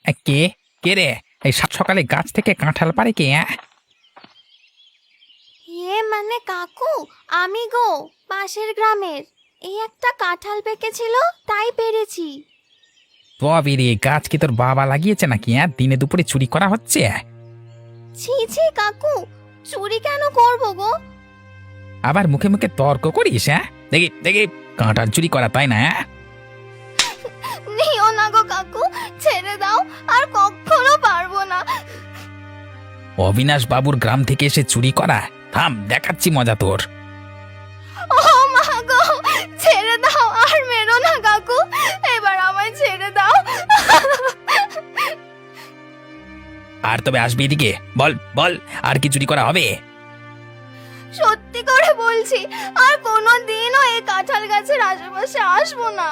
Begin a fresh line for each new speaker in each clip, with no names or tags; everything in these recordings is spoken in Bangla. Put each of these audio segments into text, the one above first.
কে কে রে? এই সাত সকালে গাছ থেকে কাঁঠাল পারে কে?
মানে কাকু, আমি গো, পাশের গ্রামের। এই একটা কাঁঠাল পেকেছিল, তাই পেরেছি।
তবে রে, গাছ কি তোর বাবা লাগিয়েছে নাকি? দিনে দুপুরে চুরি করা হচ্ছে?
ছি ছি কাকু, চুরি কেন করবো গো?
আবার মুখে মুখে তর্ক করিস? দেখি দেখি, কাঁঠাল চুরি করা, তাই না?
নিও না গো কাকু, ছেড়ে দাও, আর কখনো পারবো না।
অবিনাশ বাবুর গ্রাম থেকে এসে চুরি করা? থাম, দেখাচ্ছি মজা তোর।
ও মা গো, ছেড়ে দাও, আর মেরো না কাকু, এবার আমায় ছেড়ে দাও।
আর তবে আসবি এদিকে, বল বল, আর কি চুরি করা হবে?
সত্যি করে বলছি, আর কোনো দিনও এই কাঁঠাল গাছের আশেপাশে আসবো না।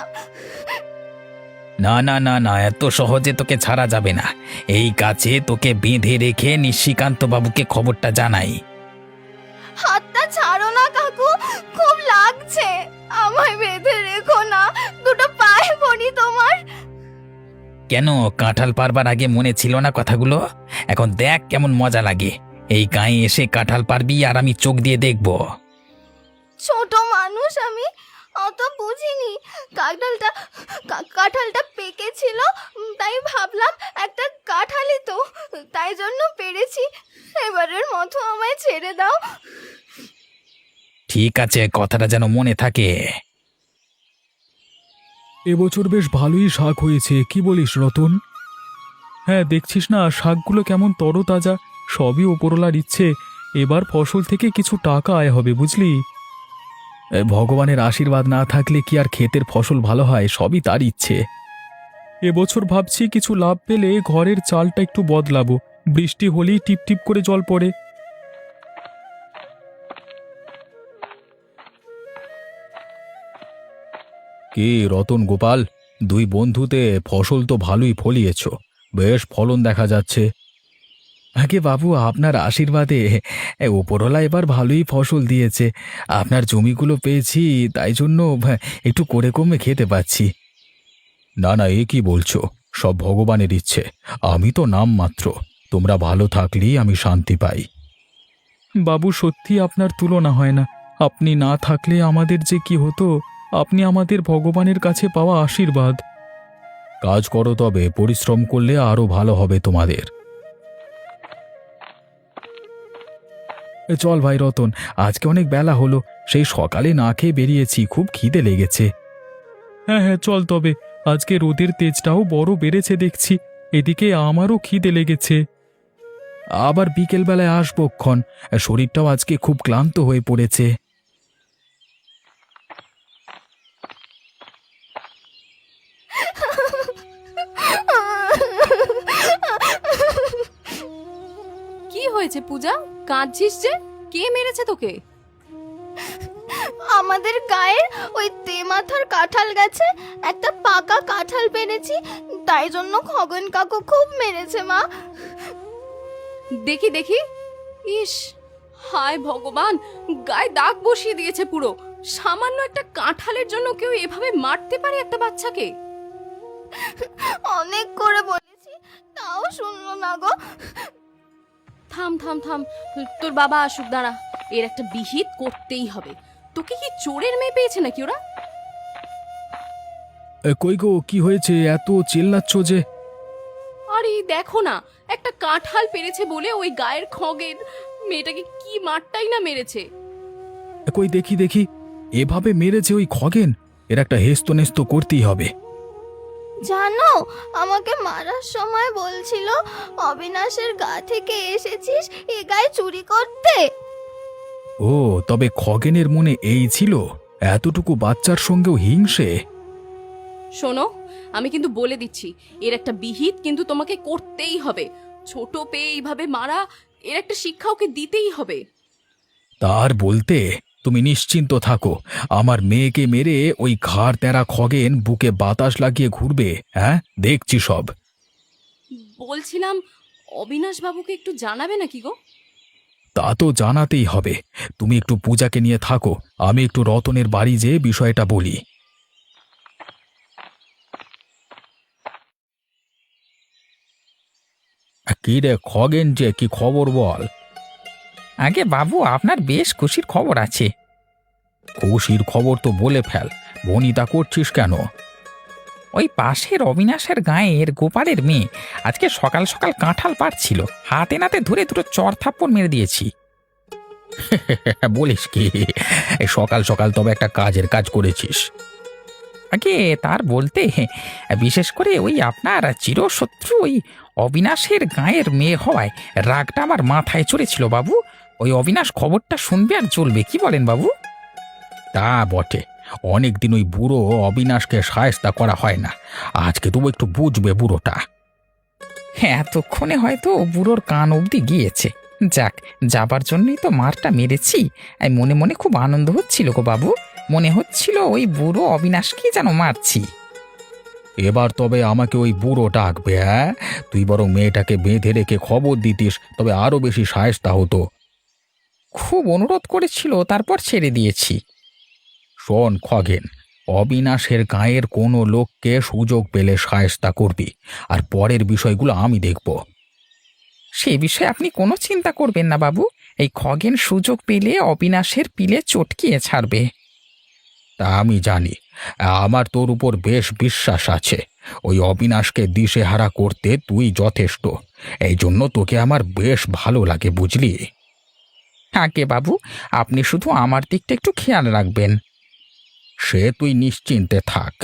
না না না না, এত সহজে তোকে ছাড়া যাবে না। এই গাছে তোকে বেঁধে রেখে নিশিকান্ত বাবুকে খবরটা জানাই।
হাতটা ছাড়ো না কাকু, খুব লাগছে, আমায় বেঁধে রেখো না, দুটো পায়ে পড়ি তোমার।
কেন, কাঁঠাল পারবার আগে মনে ছিল না কথাগুলো? এখন দেখ কেমন মজা লাগে। এই গায়ে এসে কাঁঠাল পারবি আর আমি চোখ দিয়ে দেখব।
ছোট মানুষ আমি, অত বুঝিনি। কাঁঠালটা পেকেছিল, তাই ভাবলাম একটা কাঁঠালই তো, তাই জন্য পেরেছি। এবারের মতো আমায় ছেড়ে দাও।
ঠিক আছে, কথাটা যেন মনে থাকে।
এবছর বেশ ভালোই শাক হয়েছে, কি বলিস রতন? হ্যাঁ, দেখছিস না শাকগুলো কেমন তরতাজা, সবই ওপরওয়ালার ইচ্ছে। এবার ফসল থেকে কিছু টাকা আয় হবে, বুঝলি? ভগবানের আশীর্বাদ না থাকলে কি আর ক্ষেতের ফসল ভালো হয়? সবই তার ইচ্ছে। এবছর ভাবছি কিছু লাভ পেলে ঘরের চালটা একটু বদলাবো, বৃষ্টি হলেই টিপ টিপ করে জল পড়ে। কি রতন গোপাল, দুই বন্ধুতে ফসল তো ভালোই ফলিয়েছ, বেশ ফলন দেখা যাচ্ছে। আগে বাবু, আপনার আশীর্বাদে ওপরওয়ালা এবার ভালোই ফসল দিয়েছে। আপনার জমিগুলো পেয়েছি, তাই জন্য একটু করে কমে খেতে পাচ্ছি। না না, এ কি বলছো? সব ভগবানের ইচ্ছে, আমি তো নাম মাত্র। তোমরা ভালো থাকলেই আমি শান্তি পাই। বাবু, সত্যি আপনার তুলনা হয় না। আপনি না থাকলে আমাদের যে কি হতো। আপনি আমাদের ভগবানের কাছে পাওয়া আশীর্বাদ। কাজ করো, তবে পরিশ্রম করলে আরো ভালো হবে তোমাদের। চল ভাই রতন, আজকে অনেক বেলা হলো, সেই সকালে না খেয়ে বেরিয়েছি, খুব খিদে লেগেছে। হ্যাঁ হ্যাঁ, চল তবে। আজকে রোদের তেজটাও বড় বেড়েছে দেখছি, এদিকে আমারও খিদে লেগেছে। আবার বিকেল বেলায় আসবো ক্ষণ, শরীরটাও আজকে খুব ক্লান্ত হয়ে পড়েছে।
কি হয়েছে পূজা, কাঁদছিস যে? কে মেরেছে তোকে?
আমাদের গায়ের ওই তেমাথার কাঁঠাল গাছে একটা পাকা কাঁঠাল পেরেছি, তাই জন্য খগন কাকু খুব মেরেছে মা।
দেখি দেখি। ইস, হায় ভগবান, গায়ে দাগ বসিয়ে দিয়েছে পুরো। সামান্য একটা কাঁঠালের জন্য কেউ এভাবে মারতে পারে একটা বাচ্চাকে?
অনেক করে বলেছি, তাও শুনলো না গো।
থাম থাম থাম, তোর বাবা আসুক, দাঁড়া, এর একটা বিহিত করতেই হবে। তোকে কি চোরের মেয়ে পেয়েছে নাকি ওরা?
কই গো, কি হয়েছে, এত চিল্লাচ্ছ যে?
আরে দেখো না, একটা কাঁঠাল পেরেছে বলে ওই গায়ের খগের মেয়েটাকে কি মারটাই না মেরেছে।
কই দেখি দেখি, এভাবে মেরেছে ওই খগেন? এর একটা হেস্ত নেস্ত করতেই হবে।
জানো, আমাকে মারার সময় বলছিল অবিনাশের গা থেকে এসেছিস এ গায়ে চুরি করতে।
ও, তবে খগেনের মনে এই ছিল? এতটুকু বাচ্চার সঙ্গেও হিংসে?
শোনো, আমি কিন্তু বলে দিচ্ছি, এর একটা বিহিত কিন্তু তোমাকে করতেই হবে। ছোট পেয়ে এইভাবে মারা, এর একটা শিক্ষা ওকে দিতেই হবে।
তার বলতে, তুমি নিশ্চিন্ত থাকো, আমার মেয়েকে মেরে ওই ঘাড় তেরা খগেন বুকে বাতাস লাগিয়ে ঘুরবে। হ্যাঁ, দেখছি সব।
বলছিলাম, অবিনাশ বাবুকে একটু জানাবে নাকি গো?
তা তো জানাতেই হবে। তুমি একটু পূজাকে নিয়ে থাকো, আমি একটু রতনের বাড়ি যেয়ে বিষয়টা বলি। কি রে খগেন, যে কি খবর বল?
আগে বাবু, আপনার বেশ খুশির খবর আছে।
খুশির খবর তো বলে ফেল, বনিতা করছিস কেন?
ওই পাশের অবিনাশের গাঁয়ের গোপালের মেয়ে আজকে সকাল সকাল কাঁঠাল পাড়ছিল, হাতে নাতে ধরে দুটো চড় থাপ্পড় মেরে দিয়েছি।
বলিস কি? এই সকাল সকাল তবে একটা কাজের কাজ করেছিস।
আগে তার বলতে, বিশেষ করে ওই আপনার চিরশত্রু ওই অবিনাশের গাঁয়ের মেয়ে হওয়ায় রাগটা আমার মাথায় চড়েছিল বাবু। ওই অবিনাশ খবরটা শুনবে আর চলবে, কি বলেন বাবু?
তা বটে, অনেকদিন ওই বুড়ো অবিনাশকে সায়স্তা করা হয় না, আজকে তবু একটু বুঝবে বুড়োটা।
হ্যাঁ, এতক্ষণে হয়তো বুড়োর কান অবধি গিয়েছে। যাক, যাবার জন্যই তো মারটা মেরেছি। মনে মনে খুব আনন্দ হচ্ছিল গো বাবু, মনে হচ্ছিল ওই বুড়ো অবিনাশকে যেন মারছি।
এবার তবে আমাকে ওই বুড়ো ডাকবে? হ্যাঁ, তুই বরং মেয়েটাকে বেঁধে রেখে খবর দিতিস, তবে আরো বেশি সায়স্তা হতো।
খুব অনুরোধ করেছিল, তারপর ছেড়ে দিয়েছি।
শোন খগেন, অবিনাশের গাঁয়ের কোনো লোককে সুযোগ পেলে সায়স্তা করবি, আর পরের বিষয়গুলো আমি দেখব।
সে বিষয়ে আপনি কোনো চিন্তা করবেন না বাবু, এই খগেন সুযোগ পেলে অবিনাশের পিলে চটকিয়ে ছাড়বে।
তা আমি জানি, আমার তোর উপর বেশ বিশ্বাস আছে। ওই অবিনাশকে দিশেহারা করতে তুই যথেষ্ট, এই জন্য তোকে আমার বেশ ভালো লাগে, বুঝলি?
আগে বাবু, আপনি শুধু আমার দিকটা একটু খেয়াল রাখবেন।
সে তুই নিশ্চিন্তে থাক।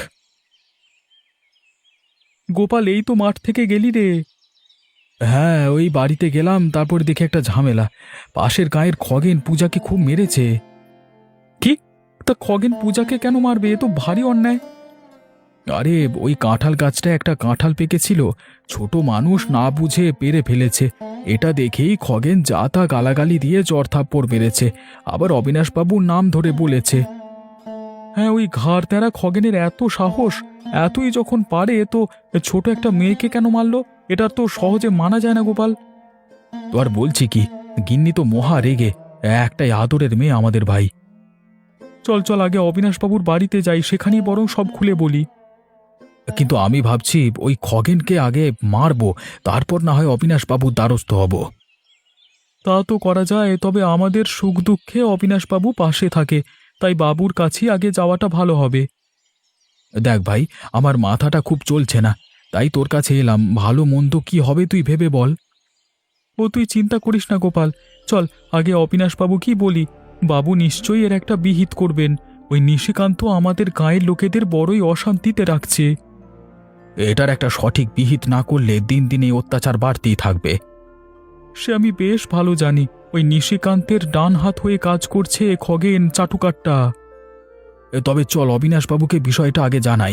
গোপাল, এই তো মাঠ থেকে গেলি রে। হ্যাঁ, ওই বাড়িতে গেলাম, তারপর দেখে একটা ঝামেলা। পাশের গাঁয়ের খগেন পূজাকে খুব মেরেছে। কি? তা খগেন পূজাকে কেন মারবে? এ তো ভারী অন্যায়। আরে, ওই কাঁঠাল গাছটা একটা কাঁঠাল পেকেছিল, ছোট মানুষ না বুঝে পেরে ফেলেছে। এটা দেখেই খগেন যা তা গালাগালি দিয়ে চড়থাপ্পড় মেরেছে, আবার অবিনাশবাবুর নাম ধরে বলেছে। হ্যাঁ, ওই ঘাড় তেরা খগেনের এত সাহস! এতই যখন পারে তো ছোট একটা মেয়েকে কেন মারলো? এটা তো সহজে মানা যায় না গোপাল। তো আর বলছি কি, গিন্নি তো মহা রেগে, একটাই আদরের মেয়ে আমাদের ভাই। চল চল, আগে অবিনাশবাবুর বাড়িতে যাই, সেখানেই বরং সব খুলে বলি। কিন্তু আমি ভাবছি ওই খগেনকে আগে মারবো, তারপর না হয় অবিনাশবাবুর দ্বারস্থ হব। তা তো করা যায়, তবে আমাদের সুখ দুঃখে অবিনাশবাবু পাশে থাকে, তাই বাবুর কাছেই আগে যাওয়াটা ভালো হবে। দেখ ভাই, আমার মাথাটা খুব চলছে না, তাই তোর কাছে এলাম। ভালো মন্দ কি হবে তুই ভেবে বল। ও তুই চিন্তা করিস না গোপাল, চল আগে অবিনাশবাবু কি বলি। বাবু নিশ্চয়ই এর একটা বিহিত করবেন। ওই নিশিকান্ত আমাদের গাঁয়ের লোকেদের বড়ই অশান্তিতে রাখছে। এটার একটা সঠিক বিহিত না করলে দিন দিন এই অত্যাচার বাড়তেই থাকবে। সে আমি বেশ ভালো জানি। ওই নিশিকান্তের ডান হাত হয়ে কাজ করছে খগেন চাটুকারটা। তবে চল অবিনাশবাবুকে বিষয়টা আগে জানাই।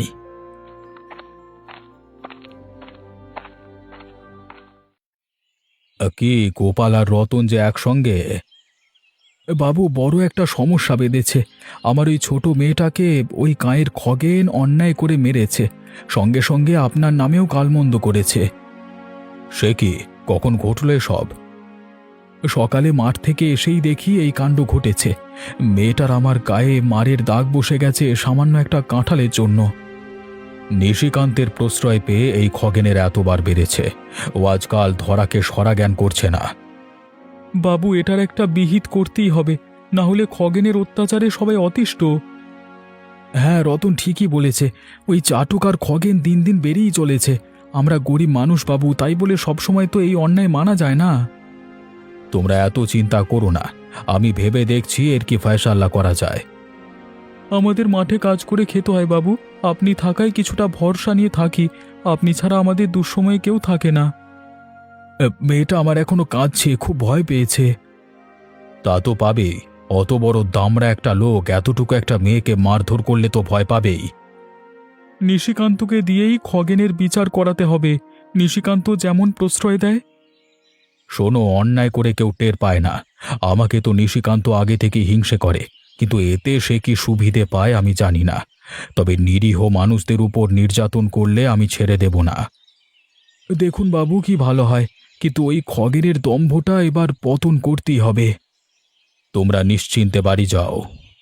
কি গোপাল আর রতন যে একসঙ্গে?
বাবু, বড় একটা সমস্যা বেঁধেছে। আমার ওই ছোট মেয়েটাকে ওই গাঁয়ের খগেন অন্যায় করে মেরেছে, সঙ্গে সঙ্গে আপনার নামেও গালমন্দ করেছে।
সে কি, কখন ঘটল সব?
সকালে মাঠ থেকে এসেই দেখি এই কাণ্ড ঘটেছে। মেয়েটার আমার গায়ে মারের দাগ বসে গেছে সামান্য একটা কাঁঠালের জন্য।
নিশিকান্তের প্রশ্রয় পেয়ে এই খগেনের এতবার বেড়েছে, ও আজকাল ধরাকে সরা জ্ঞান করছে না।
বাবু, এটার একটা বিহিত করতেই হবে, না হলে খগেনের অত্যাচারে সবাই অতিষ্ঠ। হ্যাঁ, রতন ঠিকই বলেছে। ওই চাটুক আর খগেন দিন দিন বেড়েই চলেছে। আমরা গরিব মানুষ বাবু, তাই বলে সবসময় তো এই অন্যায় মানা যায় না।
তোমরা এত চিন্তা করো না, আমি ভেবে দেখছি এর কি ফয়সাল্লা করা যায়।
আমাদের মাঠে কাজ করে খেতে হয় বাবু, আপনি থাকায় কিছুটা ভরসা নিয়ে থাকি। আপনি ছাড়া আমাদের দুঃসময়ে কেউ থাকে না। মেয়েটা আমার এখনো কাঁদছে, খুব ভয় পেয়েছে।
তা তো পাবেই, অত বড় দামড়া একটা লোক এতটুকু একটা মেয়েকে মারধর করলে তো ভয় পাবেই।
নিশিকান্তকে দিয়েই খগেনের বিচার করাতে হবে। নিশিকান্ত যেমন প্রশ্রয় দেয়।
শোনো, অন্যায় করে কেউ টের পায় না। আমাকে তো নিশিকান্ত আগে থেকে হিংসে করে, কিন্তু এতে সে কি সুবিধে পায় আমি জানি না। তবে নিরীহ মানুষদের উপর নির্যাতন করলে আমি ছেড়ে দেব না।
দেখুন বাবু, কি ভালো হয়, কিন্তু ওই খগেনের দম্ভটা এবার পতন করতেই হবে।
তোমরা নিশ্চিন্তে বাড়ি যাও।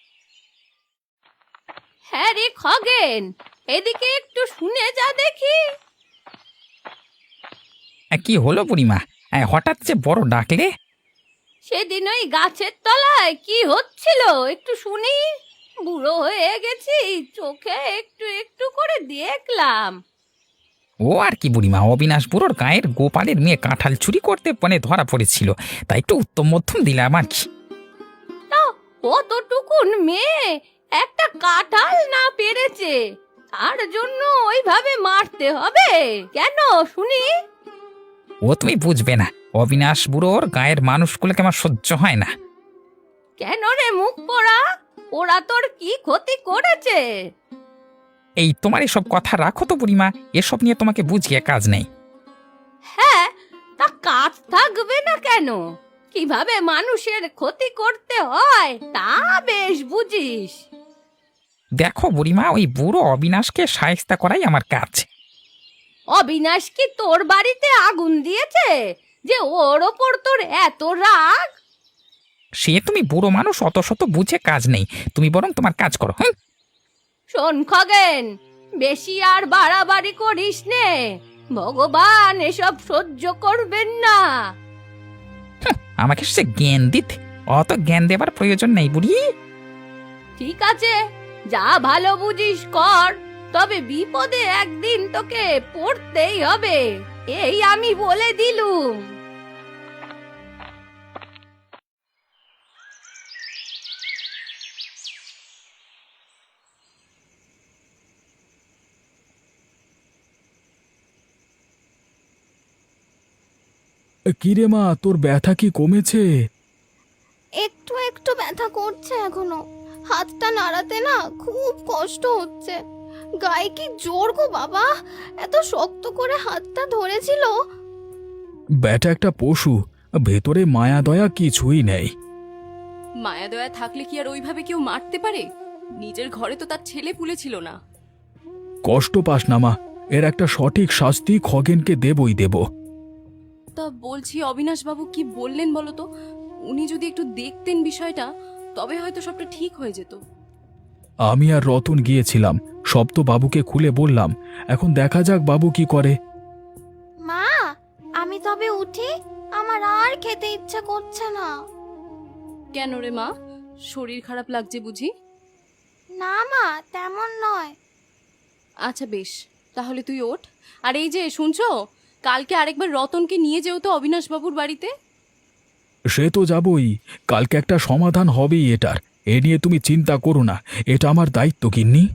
হ্যাঁ রে খগেন, এদিকে একটু শুনে যা দেখি।
কি হলো বুড়িমা, হঠাৎ যে বড় ডাকলে?
সেদিন ওই গাছের তলায় কি হচ্ছিল একটু শুনি। বুড়ো হয়ে গেছি, চোখে একটু একটু করে দেখলাম।
ও আর কি বুড়িমা, অবিনাশ বুড়োর গায়ের গোপালের মেয়ে কাঁঠাল চুরি করতে ধরা পড়েছিল, তাই একটু উত্তম মধ্যম দিলাম আর কি।
তা কতটুকুন মেয়ে একটা কাঁঠাল না পেরেছে, তার জন্য ওইভাবে মারতে হবে কেন শুনি?
ও তুমি বুঝবে না, অবিনাশ বুড়োর গায়ের মানুষগুলোকে আমার সহ্য হয় না।
কেন রে মুখ পোড়া, ওরা তোর কি ক্ষতি করেছে?
এই তোমার এসব কথা রাখো তো বুড়িমা, এসব নিয়ে তোমাকে বুঝিয়ে কাজ নেই।
হ্যাঁ, তা কাজ থাকবে না কেন? কিভাবে মানুষের ক্ষতি করতে হয় তা বেশ বুঝিস।
দেখো বুড়িমা, ওই বুড়ো অবিনাশকে শায়েস্তা করাই আমার কাজ।
অবিনাশ কি তোর বাড়িতে আগুন দিয়েছে যে ওর ওপর তোর এত রাগ?
সে তুমি বুড়ো মানুষ, অত শত বুঝে কাজ নেই, তুমি বরং তোমার কাজ করো। হ্যাঁ,
শোন খগেন, বেশি আর বাড়াবাড়ি করিস নে, ভগবান এসব সহ্য করবেন না।
আমাকে সে জ্ঞান দিতে, অত জ্ঞান দেবার প্রয়োজন নেই বুড়ি।
ঠিক আছে, যা ভালো বুঝিস কর, তবে বিপদে একদিন তোকে পড়তেই হবে, এই আমি বলে দিলুম।
কিরে মা, তোর ব্যথা কি কমেছে?
একটু একটু ব্যথা করছে এখনো। হাতটা নাড়াতে না খুব কষ্ট হচ্ছে। গায়ে কি জোর গো বাবা, এত শক্ত করে হাতটা ধরেছিল।
ব্যাটা একটা পশু, ভেতরে মায়া দয়া কিছুই নেই।
মায়া দয়া থাকলে কি আর ওইভাবে কেউ মারতে পারে? নিজের ঘরে তো তার ছেলে পুলে ছিল না।
কষ্ট পাস না মা, এর একটা সঠিক শাস্তি খগেনকে দেবই দেব।
তা বলছি, অবিনাশ বাবু কি বললেন বলো তো? উনি যদি একটু দেখতেন বিষয়টা, তবে হয়তো সবটা ঠিক হয়ে যেত।
আমি আর রতন গিয়েছিলাম, সব তো বাবুকে খুলে বললাম। এখন দেখা যাক বাবু কি করে।
মা, আমি তবে উঠি, আমার আর খেতে ইচ্ছে করছে না।
কেন রে মা, শরীর খারাপ লাগছে বুঝি?
না মা, তেমন নয়।
আচ্ছা বেশ, তাহলে তুই ওঠ। আর এই যে শুনছো, কালকে আরেকবার রতনকে নিয়ে যেও তো অবিনাশ বাবুর বাড়িতে।
সে তো যাবই, কালকে একটা সমাধান হবেই এটার, এ নিয়ে তুমি চিন্তা করো না, এটা আমার দায়িত্ব গিন্নি।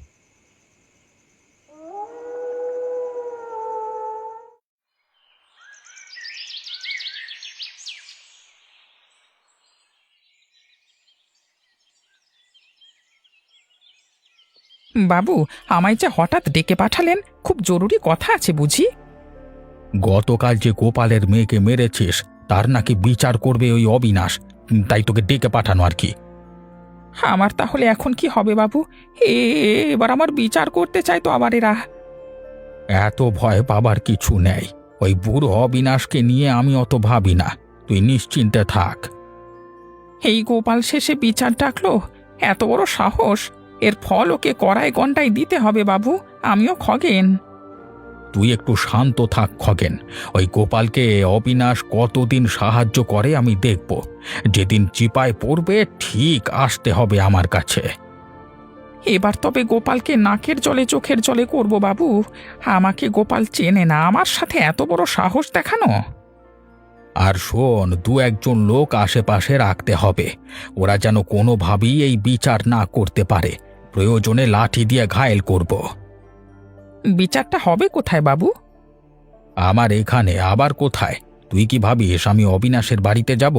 বাবু, আমায় যে হঠাৎ ডেকে পাঠালেন, খুব জরুরি কথা আছে বুঝি।
গতকাল যে গোপালের মেয়েকে মেরেছিস তার নাকি বিচার করবে ওই অবিনাশ, তাই তোকে ডেকে পাঠানো আর কি।
আমার তাহলে এখন কি হবে বাবু? এবার আমার বিচার করতে চাই তো আবার এরা।
এত ভয় পাবার কিছু নেই, ওই বুড়ো অবিনাশকে নিয়ে আমি অত ভাবি না, তুই নিশ্চিন্তে থাক।
এই গোপাল শেষে বিচার ডাকলো, এত বড় সাহস! এর ফল ওকে কড়ায় গন্ডায় দিতে হবে বাবু, আমিও খগেন।
তুই একটু শান্ত থাক খগেন, ওই গোপালকে অবিনাশ কতদিন সাহায্য করে আমি দেখব, যেদিন চিপায় পড়বে ঠিক আসতে হবে আমার কাছে।
এবার তবে গোপালকে নাকের জলে চোখের জলে করব বাবু। আমাকে গোপাল চেনে না, আমার সাথে এত বড় সাহস দেখানো।
আর শোন, দু একজন লোক আশেপাশে রাখতে হবে, ওরা যেন কোনোভাবেই এই বিচার না করতে পারে, প্রয়োজনে লাঠি দিয়ে ঘায়েল করব।
বিচারটা হবে কোথায় বাবু?
আমার এখানে আবার কোথায়? তুই কি ভাবিস আমি অবিনাশের বাড়িতে যাব?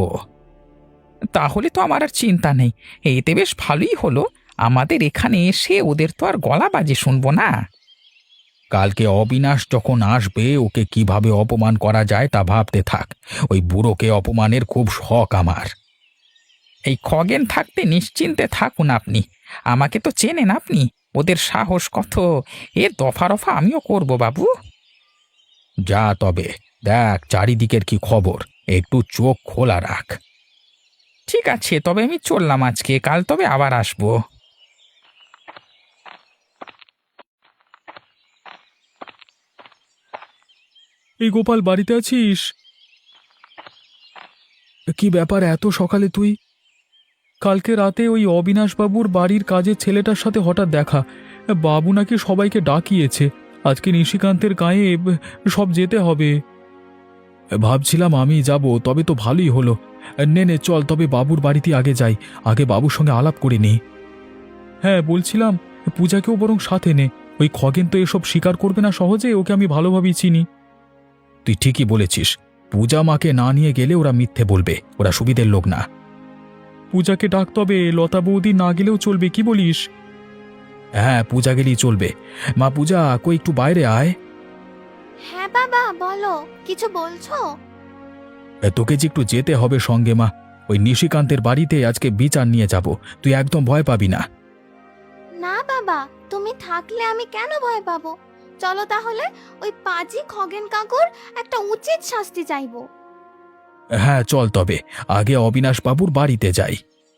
তাহলে তো আমার আর চিন্তা নেই, এতে বেশ ভালোই হলো। আমাদের এখানে এসে ওদের তো আর গলা বাজে শুনবো না।
কালকে অবিনাশ যখন আসবে ওকে কিভাবে অপমান করা যায় তা ভাবতে থাক, ওই বুড়োকে অপমানের খুব শখ আমার।
এই খগেন থাকতে নিশ্চিন্তে থাকুন আপনি, আমাকে তো চেনেন আপনি, ওদের সাহস কত, এ দফা রফা আমিও করব বাবু।
যা তবে, দেখ চারিদিকের কি খবর, একটু চোখ খোলা রাখ।
ঠিক আছে, তবে আমি চললাম আজকে, কাল তবে আবার আসবো।
এই গোপাল, বাড়িতে আছিস? কি ব্যাপার এত সকালে তুই? কালকে রাতে ওই অবিনাশবাবুর বাড়ির কাজের ছেলেটার সাথে হঠাৎ দেখা। বাবু নাকি সবাইকে ডাকিয়েছে, আজকে নিশিকান্তের গায়ে সব যেতে হবে। ভাবছিলাম আমি যাব, তবে তো ভালোই হলো। নে নে চল, তবে বাবুর বাড়িতে আগে যাই, আগে বাবুর সঙ্গে আলাপ করে নিই। হ্যাঁ বলছিলাম, পূজাকেও বরং সাথে নে। ওই খগেন তো এসব স্বীকার করবে না সহজে, ওকে আমি ভালোভাবেই চিনি। তুই ঠিকই বলেছিস, পূজা মাকে না নিয়ে গেলে ওরা মিথ্যে বলবে, ওরা সুবিধের লোক না। পূজাকে ডাক, তবে লতা বৌদি না গেলেও চলবে, কি বলিস? হ্যাঁ পূজা গেলেই চলবে। মা পূজা, কই একটু বাইরে আয়।
হ্যাঁ বাবা, বলো, কিছু বলছো?
তোকে যে একটু যেতে হবে সঙ্গে মা। ওই নিশিকান্তের বাড়িতে আজকে বিচার নিয়ে যাব, তুই একদম ভয় পাবি না।
না বাবা, তুমি থাকলে আমি কেন ভয় পাবো? চলো তাহলে, ওই পাজি খগেন কাকুর একটা উচিত শাস্তি চাইবো।
হ্যাঁ চল, তবে আগে অবিনাশ বাবুর বাড়িতে যাই।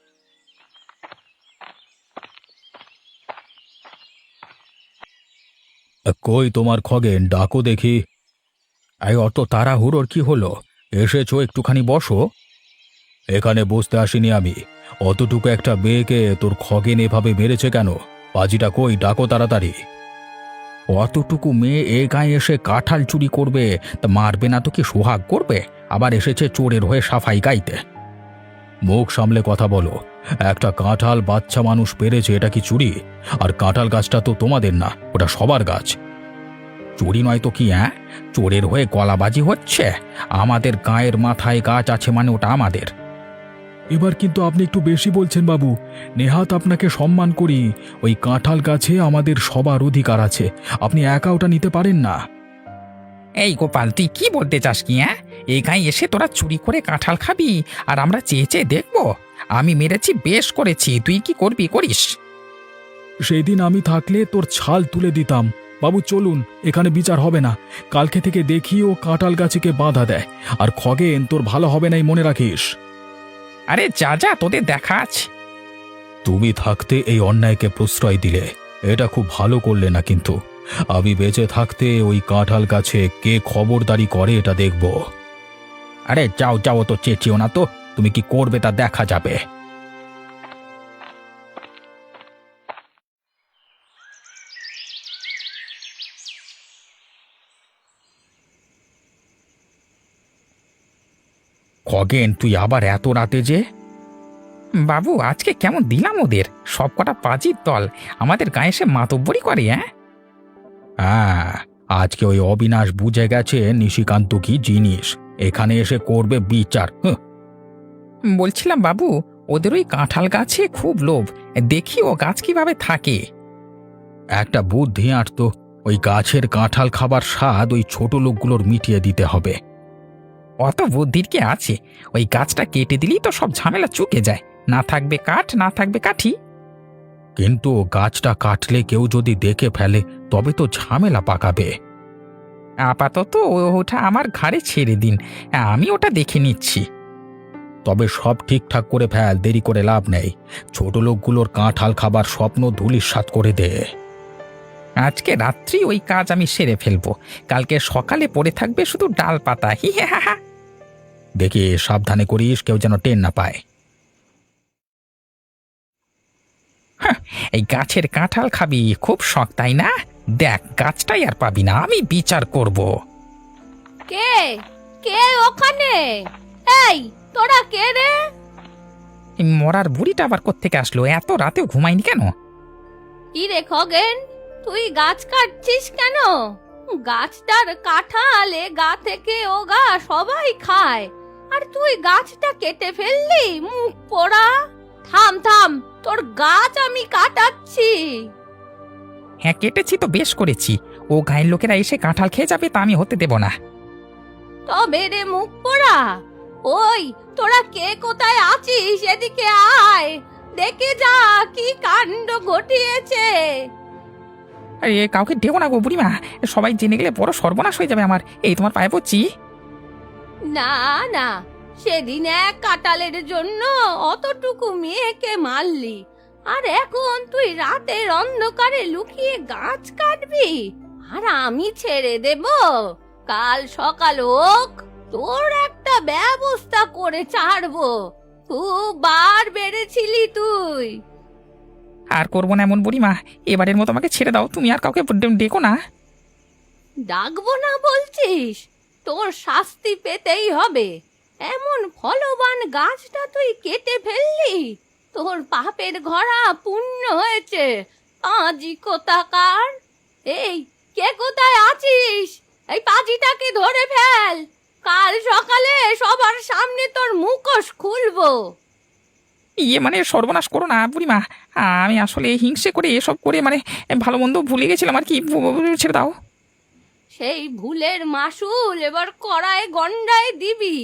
কই তোমার খগেন, ডাকো দেখি। এই অত তাড়াহুড়োর কি হলো? এসেছো, একটুখানি বসো। এখানে বসতে আসিনি আমি। অতটুকু একটা মেয়েকে তোর খগেন এভাবে মেরেছে কেন? পাজিটা কই, ডাকো তাড়াতাড়ি। অতটুকু মেয়ে এ গায়ে এসে কাঁঠাল চুরি করবে, তা মারবে না তো কি সোহাগ করবে? আবার এসেছে চোরের হয়ে সাফাই গাইতে। মুখ সামলে কথা বলো। একটা কাঁঠাল বাচ্চা মানুষ পেরেছে, এটা কি চুরি? আর কাঁঠাল গাছটা তো তোমাদের না, ওটা সবার গাছ। চুরি নয় তো কি? হ্যাঁ, চোরের হয়ে গলাবাজি হচ্ছে। আমাদের গায়ের মাথায় গাছ আছে মানে ওটা আমাদের। এবার কিন্তু আপনি একটু বেশি বলছেন বাবু। নেহাত আপনাকে সম্মান করি, ওই কাঁঠাল গাছে আমাদের সবার অধিকার আছে, আপনি একা ওটা নিতে পারেন না।
এই গোপাল, তুই কি বলতে চাস কি? হ্যাঁ, এই গায়ে এসে তোরা চুরি করে কাঁঠাল খাবি আর আমরা চেয়ে চেয়ে দেখবো? আমি মেরেছি, বেশ করেছি, তুই কি করবি করিস।
সেই দিন আমি থাকলে তোর ছাল তুলে দিতাম। বাবু চলুন, এখানে বিচার হবে না। কালকে থেকে দেখি ও কাঁঠাল গাছকে বাধা দেয়। আর খগেন, তোর ভালো হবে নাই, মনে রাখিস।
আরে যা যা, তোদের দেখা আছে।
তুমি থাকতে এই অন্যায়কে প্রশ্রয় দিলে, এটা খুব ভালো করলে না। কিন্তু আমি বেঁচে থাকতে ওই কাঁঠাল গাছে কে খবরদারি করে এটা দেখব।
আরে যাও যাও, তো চেঁচিও না তো, তুমি কি করবে তা দেখা যাবে। খগেন, তুই আবার এত রাতে যে? বাবু, আজকে কেমন দিলাম ওদের, সব কটা পাজির দল আমাদের গায়ে এসে মাতব্বরি করে। হ্যাঁ,
আজকে ওই অবিনাশ বুঝে গেছে নিশিকান্ত কি জিনিস, এখানে এসে করবে বিচার।
বলছিলাম বাবু, ওদের ওই কাঁঠাল গাছে খুব লোভ, দেখি ও গাছ কিভাবে থাকে।
একটা বুদ্ধি আঁটতো, ওই গাছের কাঁঠাল খাবার স্বাদ ওই ছোট লোকগুলোর মিটিয়ে দিতে হবে।
অত বুদ্ধির কি আছে? ওই গাছটা কেটে দিলেই তো সব ঝামেলা চুকে যায়, না থাকবে কাঠ, না থাকবে কাঠি।
কিন্তু গাছটা কাটলে কেউ যদি দেখে ফেলে, তবে তো ঝামেলা পাকাবে।
আপাতত ওটা আমার ঘাড়ে ছেড়ে দিন, আমি ওটা দেখে নিচ্ছি।
তবে সব ঠিকঠাক করে ফেল, দেরি করে লাভ নেই। ছোট লোকগুলোর কাঁঠাল খাবার স্বপ্ন ধূলিসাৎ করে দে।
আজকে রাত্রি ওই কাজ আমি সেরে ফেলবো, কালকে সকালে পড়ে থাকবে শুধু ডাল পাতা। হি হ্যাঁ হ্যাঁ।
দেখি সাবধানে করিস, কেউ যেন টের না পায়।
এই গাছের কাঁঠাল খাবি খুব শখ, তাই না? দেখ, গাছটাই আর পাবি না, আমি বিচার করব।
কে কে ওখানে? এই, তোরা কে রে?
এই মরার বুড়িটা আবার কোত্থেকে আসলো? এত রাতেও ঘুমায়নি কেন?
কি রে খগেন, তুই গাছ কাটছিস কেন? গাছটার কাঁঠাল গা থেকে ও গা সবাই খায়, আর তুই গাছটা কেটে ফেললি, মুখ পোড়া। থাম থাম, তোর গাছ আমি কাটাচ্ছি।
হ্যাঁ, কেটেছি তো বেশ করেছি, ও গায়ের লোকেরা এসে কাঁঠাল খেয়ে যাবে, তা আমি হতে দেব না।
তবে রে মুখ পোড়া, ওই তোরা কে কোথায় আছিস, এদিকে আয়, দেখে যা কি কাণ্ড ঘটিয়েছে।
আরে কাউকে ডেও না গো বুড়িমা, সবাই জেনে গেলে বড় সর্বনাশ হয়ে যাবে আমার। এই তোমার পায়ে পড়ছি।
না না, সেদিন এক কাঁঠালের জন্য অতটুকু মেয়েকে মারলি, আর এখন তুই রাতের অন্ধকারে লুকিয়ে গাছ কাটবি, আর আমি ছেড়ে দেব? কাল সকাল হোক, তোর একটা ব্যবস্থা করে ছাড়বো। খুব বার বেড়েছিলি তুই।
আর করবো না এমন বুড়িমা, এবারের মতো আমাকে ছেড়ে দাও, তুমি আর কাউকে ডেকো না।
ডাকবো না বলছিস? তোর শাস্তি পেতেই হবে। এমন ফলবান গাছটা তুই কেটে ফেললি, তোর পাপের ঘোড়া পূর্ণ হয়েছে। পাজি কোথাকার! এই, কে কোথায় আছিস? এই পাজিটাকে ধরে ফেল। কাল সকালে সবার সামনে তোর মুখোশ খুলবো।
ইয়ে মানে সর্বনাশ করো না বুড়িমা, আমি আসলে হিংসে করে এসব করে মানে ভালো মন্দ ভুলে গেছিলাম আর কি, ছেড়ে দাও।
সেই ভুলের মাসুল এবার কড়ায় গন্ডায় দিবি।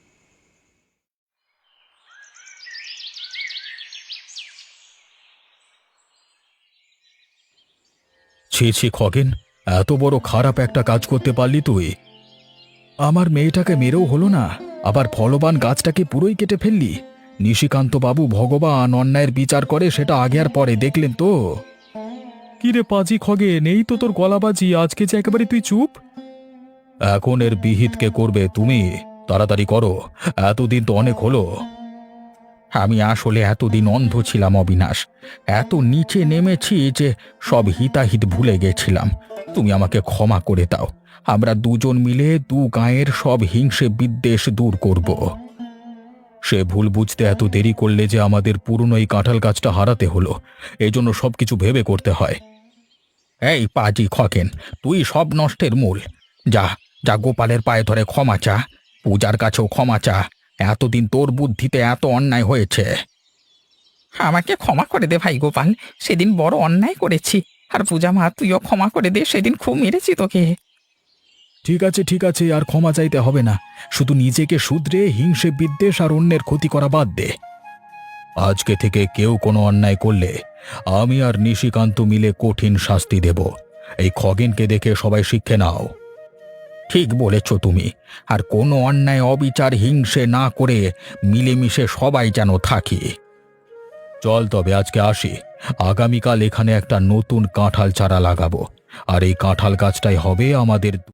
ছি ছি খগেন, এত বড় খারাপ একটা কাজ করতে পারলি তুই। আমার মেয়েটাকে মেরেও হলো না, আবার ফলবান গাছটাকে পুরোই কেটে ফেললি। নিশিকান্ত বাবু ভগবান অন্যায়ের বিচার করে, সেটা আগে আর পরে দেখলেন তো। কি রে পাজি খগেন, এই তো তোর গলাবাজি, আজকে যে একেবারে তুই চুপ। এখন এর বিহিত কে করবে? তুমি তাড়াতাড়ি করো, এতদিন তো অনেক হলো।
আমি আসলে এতদিন অন্ধ ছিলাম অবিনাশ, এত নিচে নেমেছি যে সব হিতাহিত ভুলে গেছিলাম। তুমি আমাকে ক্ষমা করে দাও, আমরা দুজন মিলে দু গাঁয়ের সব হিংসে বিদ্বেষ দূর করব।
সে ভুল বুঝতে এত দেরি করলে যে আমাদের পুরনো এই কাঁঠাল গাছটা হারাতে হলো, এই জন্য সবকিছু ভেবে করতে হয়।
এই পাজি খকেন, তুই সব নষ্টের মূল। যা যা গোপালের পায়ে ধরে ক্ষমা চা, পূজার কাছেও ক্ষমা চা। এতদিন তোর বুদ্ধিতে এত অন্যায় হয়েছে। আমাকে ক্ষমা করে দে ভাই গোপাল, সেদিন বড় অন্যায় করেছি। আর পূজা মা, তুইও ক্ষমা করে দে, সেদিন খুব মেরেছি তোকে।
ঠিক আছে, আর ক্ষমা চাইতে হবে না। শুধু নিজেকে শুধরে হিংসে বিদ্বেষ আর অন্যের ক্ষতি করা বাদ দে। আজকে থেকে কেউ কোনো অন্যায় করলে আমি আর নিশিকান্ত মিলে কঠিন শাস্তি দেব। এই খগেনকে দেখে সবাই শিক্ষে নাও।
ঠিক বলেছ তুমি, আর কোনো অন্যায় অবিচার হিংসে না করে মিলেমিশে সবাই যেন থাকি।
চল তবে আজকে আসি, আগামীকাল এখানে একটা নতুন কাঁঠাল চারা লাগাবো, আর এই কাঁঠাল গাছটাই হবে আমাদের